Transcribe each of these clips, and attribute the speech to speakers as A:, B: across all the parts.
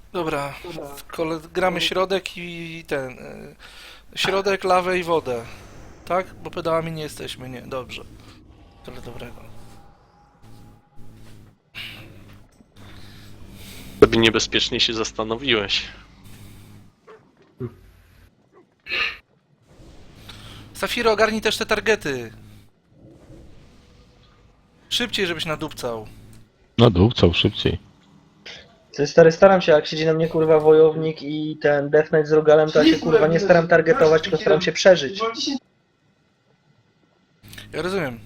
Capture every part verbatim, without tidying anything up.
A: Dobra, kole, gramy środek i ten... y, Środek, lawę i wodę. Tak? Bo pedałami nie jesteśmy, nie, dobrze. Tyle dobrego.
B: Sobie niebezpiecznie się zastanowiłeś.
A: Safiro, ogarnij też te targety. Szybciej, żebyś nadupcał.
C: No dupcał szybciej.
D: Ty stary, staram się, jak siedzi na mnie kurwa wojownik i ten Death Knight z Rogalem, to ja się kurwa nie staram targetować, tylko staram się przeżyć.
A: Ja rozumiem.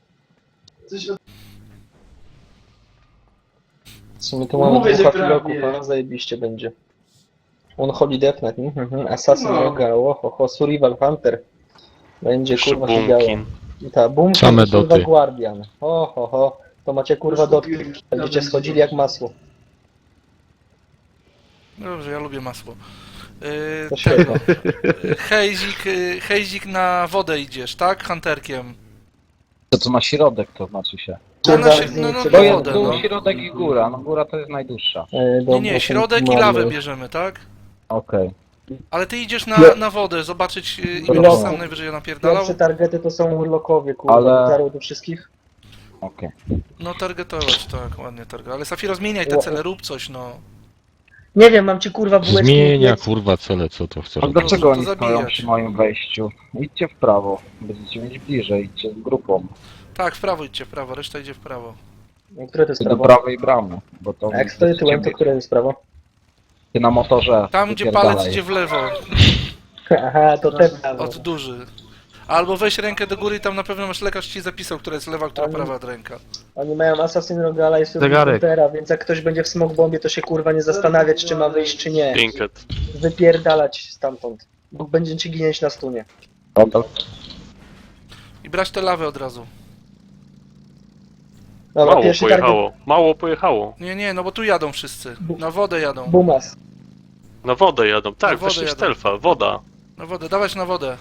D: W sumie to mamy dwóch filoków, a zajebiście będzie. On Holy Death Knight, mhm, mhm, Assassin Rogal, oho, Survival Hunter. Będzie
B: Jeszcze
D: kurwa się działo.
B: Boomkin.
D: I ta Boomkin
C: Same
D: i kurwa
C: doty.
D: Guardian. Ho, ho, ho. To macie kurwa dotki. Będziecie schodzili jak masło.
A: Dobrze, ja lubię masło.
D: To
A: Yy,
D: świetnie.
A: tego. Hejzik, yy, Hejzik na wodę idziesz, tak? Hunterkiem.
E: To co na środek to znaczy się.
A: No, na,
D: Kurwa,
A: si- no, no,
D: to
A: na
E: To jest
A: wodę,
E: dół,
A: no.
E: środek i góra. No góra to jest najdłuższa.
D: E,
A: Nie,
D: dobra,
A: nie,
D: to
A: środek i
D: mamy-
A: lawę bierzemy, tak?
E: Okej.
A: Ale ty idziesz na,
D: Ja-
A: na wodę, zobaczyć yy, i
D: Dobra.
A: będziesz sam najwyżej napierdalał.
D: Pierwsze targety to są urlokowie, kurwa.
E: Ale-
D: Ale... do wszystkich.
E: Okej.
A: No targetować, tak, ładnie target. Ale Safiro, zmieniaj te cele, rób coś, no.
D: Nie wiem, mam ci kurwa bułeczki.
C: Zmienia
D: jedz.
C: kurwa cele, co to chce
E: A
C: robić.
E: dlaczego
A: to
E: oni stoją
A: zabijać.
E: przy moim wejściu? Idźcie w prawo. Będziecie mieć bliżej. Idźcie z grupą.
A: Tak, w prawo idźcie, w prawo, reszta idzie w prawo.
D: Które to jest
E: Do
D: prawo?
E: prawej bramy. Bo to
D: A jak stoję tyłem, to które jest prawo?
E: Ty na motorze.
A: Tam, gdzie
E: wypierdalaj.
A: palec idzie w lewo,
D: Aha, to te prawo.
A: od duży. Albo weź rękę do góry i tam na pewno masz lekarz ci zapisał, która jest lewa, która
D: Oni-
A: prawa od ręka.
D: Oni mają Assassin Rogala i
C: Zegarek.
D: Survivora, więc jak ktoś będzie w smoke bombie, to się kurwa nie zastanawiać, czy ma wyjść, czy nie.
B: Trinket.
D: Wypierdalać stamtąd. Bo będziecie ginąć na stunie.
E: Dobra.
A: I brać tę lawę od razu.
D: Dobra,
B: Mało
D: pierwszy target.
B: pojechało. Mało pojechało.
A: Nie, nie, no bo tu jadą wszyscy. Na wodę jadą.
D: Bumas.
B: Na wodę jadą. Tak,
A: Na wodę
B: weszli w
A: jadą.
B: stealtha. Woda.
A: Na wodę, dawać na wodę.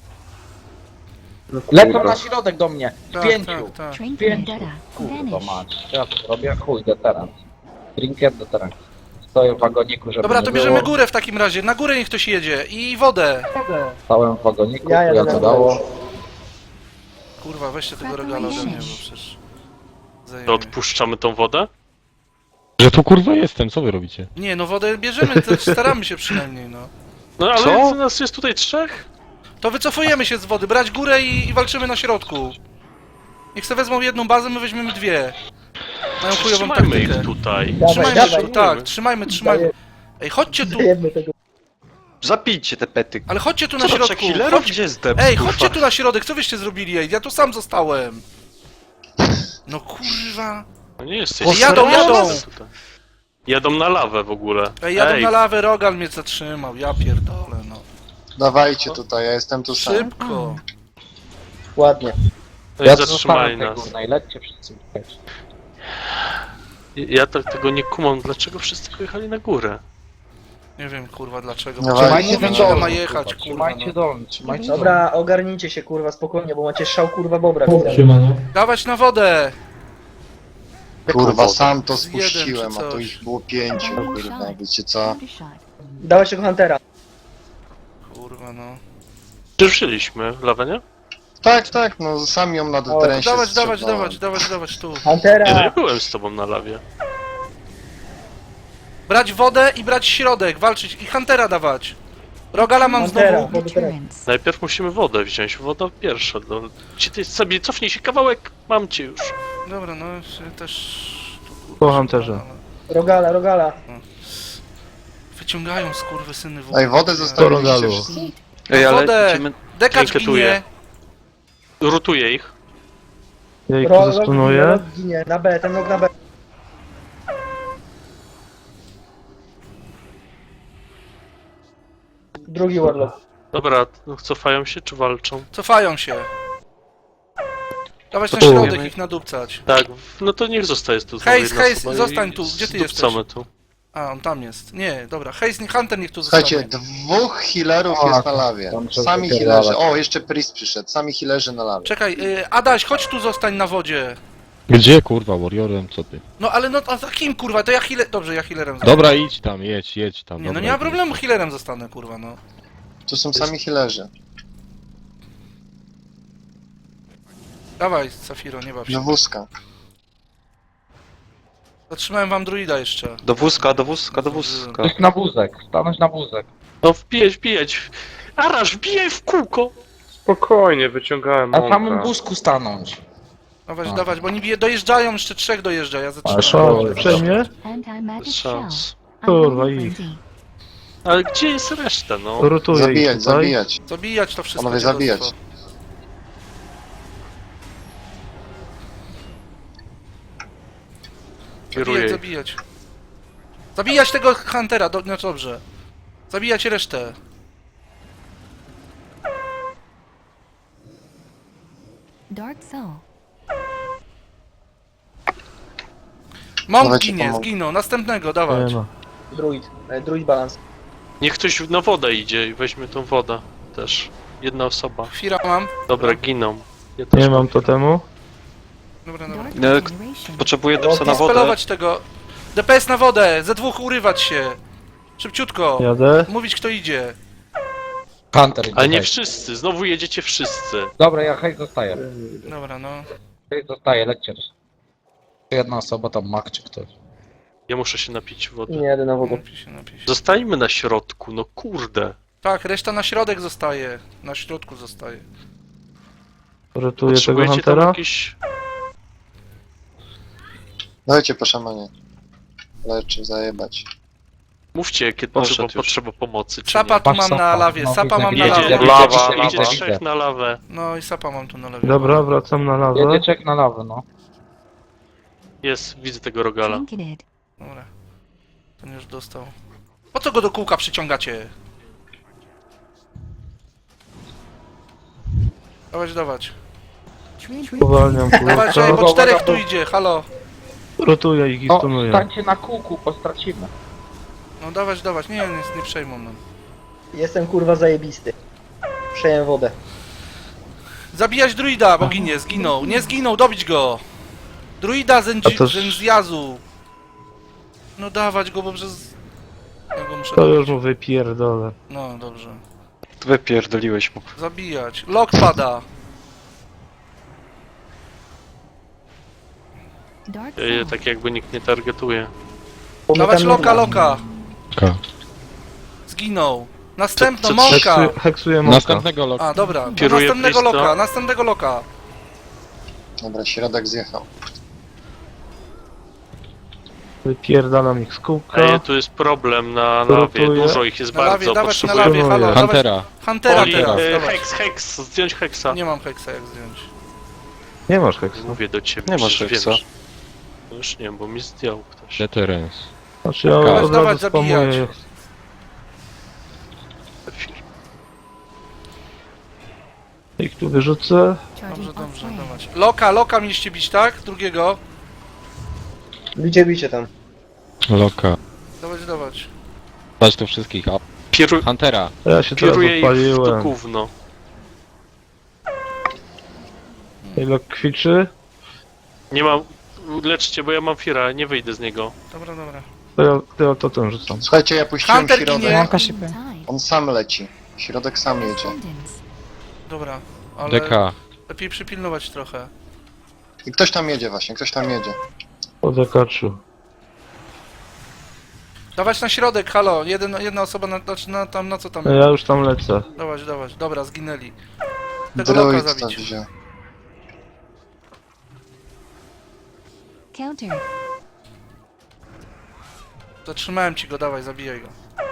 E: Lecą na środek do mnie. W
A: Tak,
E: pięciu.
A: tak, tak.
F: Train
E: Pięciu.
F: Vendetta.
E: Kurwa
F: Vanish.
E: mać. Ja to robię chuj deterrent. Trinket deterrent. Stoję w wagoniku, żeby
A: Dobra,
E: nie
A: to bierzemy
E: było.
A: górę w takim razie. Na górę niech ktoś jedzie. I wodę.
E: Stałem w wagoniku,
D: Ja
E: ja,
D: jadę
E: to
D: na
E: dało.
D: dół.
A: Kurwa, weźcie tego regala ode mnie, bo przecież...
B: To
A: Zajmie.
B: odpuszczamy tą wodę?
C: Że tu kurwa jestem, co wy robicie?
A: Nie, no wodę bierzemy, to staramy się przynajmniej, no.
B: No ale
C: Co?
B: nas jest tutaj trzech?
A: To wycofujemy się z wody, brać górę i, i walczymy na środku. Niech sobie wezmą jedną bazę, my weźmiemy dwie. Mają chujową
B: Trzymajmy
A: taktykę.
B: ich tutaj.
D: Dawaj,
A: Trzymajmy
D: dawaj.
A: się, tak, trzymajmy, trzymajmy.
D: Daję-
A: Ej, chodźcie tu,
D: Dajemy tego.
G: Zabijcie te pety.
A: ale chodźcie tu na
G: Co to,
A: środku.
G: trzech healerów?
A: Chodź...
G: Gdzie jest Debs,
A: Ej,
G: kurwa?
A: chodźcie tu na środek, co wyście zrobili, ej? Ja tu sam zostałem. No kurwa.
B: No nie jesteś.
A: Ej, jadą, jadą.
B: Tutaj. Jadą na lawę w ogóle.
A: Ej, jadą na lawę, Rogal mnie zatrzymał, ja pierdolę, no.
H: Dawajcie tutaj, ja jestem tu sam.
A: Szybko.
D: Ładnie.
B: No
E: Ja
B: i
E: to
B: zatrzymali
E: zostanę w tej
B: nas.
E: górnej. Lećcie wszyscy.
B: Ja tak tego nie kumam, dlaczego wszyscy pojechali na górę?
A: Nie wiem, kurwa, dlaczego.
H: No
A: Trzymajcie
H: właśnie,
A: mówić,
H: no.
A: ile ma jechać, kurwa,
E: Trzymajcie
A: no.
E: dolny, trzymajcie dolny.
D: Dobra, ogarnijcie się kurwa spokojnie, bo macie szał kurwa bobra. widać.
A: Dawać na wodę.
H: Kurwa, sam to
A: Z jeden czy
H: spuściłem, a to
A: coś.
H: ich było pięciu, kurwa, wiecie co?
F: Undershot.
D: Dałeś tego Huntera.
A: Kurwa, no.
B: Ruszyliśmy lawę, nie?
H: Tak, tak, no sami ją na deterensie
A: Dawać, dawać,
H: strzepnąłem.
A: dawać, dawać, dawać, tu.
B: Nie, no nie
D: Huntera!
B: byłem z tobą na lawie.
A: Brać wodę i brać środek, walczyć i Huntera dawać. Rogala mam
D: Huntera.
A: znowu.
D: Wody teraz.
F: Deterrence.
B: Najpierw musimy wodę wziąć, woda pierwsza. No. Ci ty sobie cofnij się kawałek, mam cię już.
A: Dobra, no ja też... tu, kurwa,
C: Po
A: się
C: Hunterze.
A: ale-
D: Rogala, Rogala.
A: Wyciągają skurwysyny wodę.
H: Ej, wodę zostawiliście
C: Rogalu.
H: wszyscy.
G: Ej, ale
A: Wodę!
G: idziemy...
A: Dekacz
B: Trinketuję.
A: ginie.
B: Rutuję ich.
C: Ja ich
D: Ro-
C: tu
D: Rog
C: zastunuję.
D: Rog ginie, na B, ten nóg na B. Drugi warlock.
B: Dobra, no, cofają się czy walczą?
A: Cofają się. Dawać na
C: Tu.
A: środek ich nadupcać.
B: Tak, no to niech zostaje tu. znowu
A: Hejs,
B: jedna
A: hejs,
B: osoba i
A: zostań tu. Gdzie ty
B: zdupcamy tu.
A: A, on tam jest. Nie, dobra. Hejs, nie- Hunter niech tu
H: Słuchajcie,
A: zostanie.
H: dwóch healerów
E: O,
H: jest na lawie.
E: tam trzeba
H: Sami
E: wypierdalać.
H: healerzy. O, jeszcze Priest przyszedł. Sami healerzy na lawie.
A: Czekaj, y, Adaś, chodź tu zostań na wodzie.
C: Gdzie kurwa, Warriorem, co ty?
A: No ale no, a za kim kurwa? To ja healer... Dobrze, ja healerem zostanę.
C: Dobra, idź tam, jedź, jedź tam.
A: Nie, no
C: dobra,
A: nie ma
C: idź.
A: problemu, healerem zostanę kurwa, no.
H: Tu są sami healerzy.
A: Dawaj, Safiro, nie baw się.
H: Do wózka.
A: Zatrzymałem wam druida jeszcze.
G: Do wózka, do wózka, do wózka.
E: Ktoś na wózek, stanąć na wózek.
B: No wbijać, wbijać. Arasz, wbijaj w kółko.
F: Spokojnie, wyciągałem
E: Na samym
F: mąka.
E: wózku stanąć.
A: Dawać,
E: A.
A: dawać, bo oni bije- dojeżdżają, jeszcze trzech dojeżdża, ja
E: Ale
A: zatrzymałem.
E: szok.
I: Przejmie?
B: Bez szans.
I: Kurwa, i
B: Ale gdzie jest reszta, no?
I: rotuję ich
H: Zabijać,
I: tutaj.
H: zabijać.
A: Zabijać to wszystko.
H: Panowie,
A: dziadostwo.
H: zabijać.
B: Kieruję
A: Zabijać,
B: ich.
A: zabijać. Zabijać tego Huntera, do, no dobrze. Zabijać resztę.
J: Dark Soul.
A: Monk
H: Dawajcie,
A: ginie,
H: pomogę.
A: zginął. Następnego, dawać.
I: Nie ma.
D: Druid. E, Druid balans.
B: Niech ktoś na wodę idzie i weźmie tą wodę też. Jedna osoba.
A: Chwila mam.
B: Dobra, giną. Ja też
I: Nie mam totemu.
A: Dobra, dobra.
J: Dark
G: No,
J: Generation.
G: Potrzebuję depsa na
A: Nie
G: wodę.
A: spelować tego. D P S na wodę, ze dwóch urywać się. Szybciutko.
I: Jadę.
A: Mówić kto idzie.
E: Hunter idzie.
B: Ale nie
E: hej.
B: wszyscy, znowu jedziecie wszyscy.
E: Dobra, ja hej zostaję.
A: Dobra, no.
E: Hej zostaję, lećcie. Jedna osoba tam, Mak czy ktoś.
B: Ja muszę się napić wody.
D: Nie jadę na wodę.
A: Napij się, napij się.
B: Zostańmy na środku, no kurde.
A: Tak, reszta na środek zostaje. Na środku zostaje.
I: Rotuję tego
B: Potrzebujecie tam
I: Huntera.
B: jakieś...
H: Dajcie po szamanie. Leczy, zajebać.
B: Mówcie, kiedy
G: Poszedł
B: potrzeba,
G: już.
B: potrzeba pomocy, czy
A: Sapa
B: nie.
A: tu
E: Patrz,
A: mam
E: sapa.
A: na lawie,
E: No,
A: sapa
E: widzę,
A: mam na
E: widzę,
B: Jedzie,
A: lawie.
E: widzę,
B: jedzie,
E: widzę,
B: jedzie
E: widzę,
B: trzech
E: widzę.
B: na lawę.
A: No i sapa mam tu na lawie.
I: Dobra, wracam na lawę.
E: Jedzie czek na lawę, no.
B: Jest, widzę tego rogala.
J: Trinketed.
A: Dobra. Ten już dostał. Po co go do kółka przyciągacie? Dawać, dawać.
J: Trinketed.
I: Uwalniam
A: Dawać, ej,
I: kurwa.
A: bo czterech tu idzie, halo.
I: Rotuję ich i
E: O,
I: stunuję.
E: stańcie na kółku, bo stracimy.
A: No dawać, dawać, nie, nie, nie przejmą nam.
D: Jestem kurwa zajebisty. Przejem wodę.
A: Zabijać druida, bo ginie, zginął. Nie zginął, dobić go. Druida
I: A
A: zędzi,
I: to-
A: zędziazu. No dawać go, bo przez... Ja go muszę
I: To
A: dobić.
I: już mu wypierdolę.
A: No, dobrze.
G: Wypierdoliłeś mu.
A: Zabijać. Lock pada.
J: Dark
B: Ja je
J: Soul.
B: tak jakby nikt nie targetuje.
A: Dawać loka, loka.
C: Ka.
A: Zginął. Następno,
B: Co- co-
A: mąka.
I: Heksuję, heksuję moka.
C: Następnego loka.
A: A, dobra. To
B: Kieruję
A: następnego
B: blisko.
A: loka, następnego loka.
H: Dobra, środek zjechał.
I: Wypierdalam ich z kółka.
B: Ej, tu jest problem na lawie,
I: Rotuję.
B: dużo ich jest
A: Na lawie,
B: bardzo,
A: dawać na
B: potrzebuję...
A: lawie, halo. Dawać
C: Huntera.
A: Huntera
B: Oli,
A: teraz,
B: e,
A: dawać.
B: heks, heks, zdjąć heksa.
A: Nie mam heksa jak zdjąć.
I: Nie masz heksu.
B: Mówię do ciebie,
G: Nie masz
B: przecież
G: heksa.
B: wiem, że- No już nie wiem, bo mi zdjął ktoś.
C: Deterrence.
I: Znaczy ja
C: Dawać,
I: od
A: dawać,
I: razu spamuję.
A: zabijać.
I: Ich tu wyrzucę.
J: Charging
A: Dobrze,
J: on
A: dobrze,
J: flame.
A: dawać. Loka, loka mieliście bić, tak? Drugiego.
D: Bicie, bicie tam.
C: Loka.
A: Dawać, dawać.
C: Dać tu wszystkich. A
B: Kieru...
C: Huntera.
I: Ja się teraz
B: Kieruję ich w to
I: odpaliłem.
B: gówno.
I: Ile kwiczy?
B: Nie mam... Leczcie, bo ja mam Fira, nie wyjdę z niego.
A: Dobra, dobra.
I: To ja, to ja totem rzucam.
H: Słuchajcie, ja puściłem
A: Hunter
H: środek.
A: ginie.
J: Tide.
H: On sam leci. Środek sam jedzie.
J: Ascendance.
A: Dobra. Ale
C: D K.
A: lepiej przypilnować trochę.
H: I ktoś tam jedzie właśnie, ktoś tam jedzie.
I: Po dekaczu.
A: Dawać na środek, halo. Jeden, jedna osoba na, znaczy na tam, na co tam?
I: Ja już tam lecę.
A: Dawać, dawać. Dobra, zginęli. Tego loka
H: Druid tam
A: zabić.
H: wziął.
J: Counter.
A: Zatrzymałem ci go, dawaj, zabijaj go.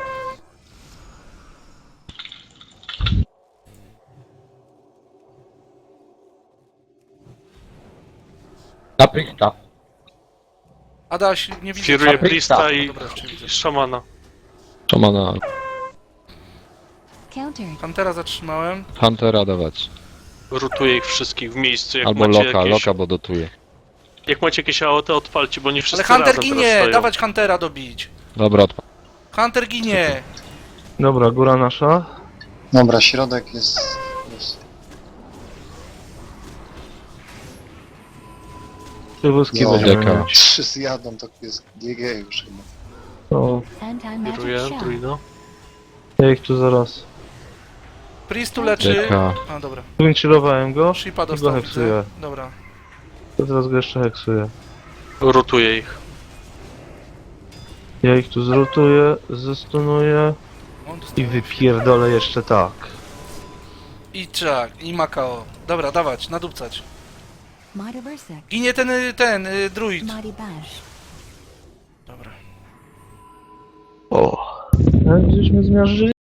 E: Na Priesta.
A: Adaś, nie widzę.
B: Kieruję
A: cię.
B: Priesta i,
A: Dobra, jeszcze widzę.
B: i szamana.
C: Szamana.
J: Counter.
A: Huntera zatrzymałem.
C: Huntera dawać.
B: Rotuję ich wszystkich w miejscu, jak
C: Albo
B: macie
C: loka,
B: jakieś...
C: loka, bo dotuje.
B: Jak macie jakieś A O T, odpalcie, bo nie
A: Ale
B: wszyscy
A: Hunter
B: razem
A: ginie!
B: teraz stoją.
A: Dawać Huntera dobić.
C: Dobra, odpa-
A: Hunter ginie!
I: Dobra, góra nasza.
H: Dobra, środek jest... jest.
I: Te wózki
H: No,
I: będziemy
C: Deka.
I: mieć.
H: Trzy zjadą, to jest G G już chyba.
I: No,
J: Anti-magic
B: Kieruję
J: shell.
B: druida.
I: ja ich tu zaraz.
A: Priest tu leczy.
C: Deka.
A: A, dobra.
I: Winchillowałem go
A: Shipa
I: i go
A: dostał,
I: heksuję.
A: widzę. Dobra.
I: To teraz go jeszcze heksuję.
B: Rotuję ich.
I: Ja ich tu zrotuję, zestunuję
A: On
I: i
A: dostał.
I: wypierdolę jeszcze tak.
A: I czak, i Makao. Dobra, dawać, nadupcać.
J: Mighty Berserk.
A: Ginie ten, y, ten, y, druid.
J: Mighty Bash.
A: Dobra.
I: O, jak żeśmy zmiażdżyli.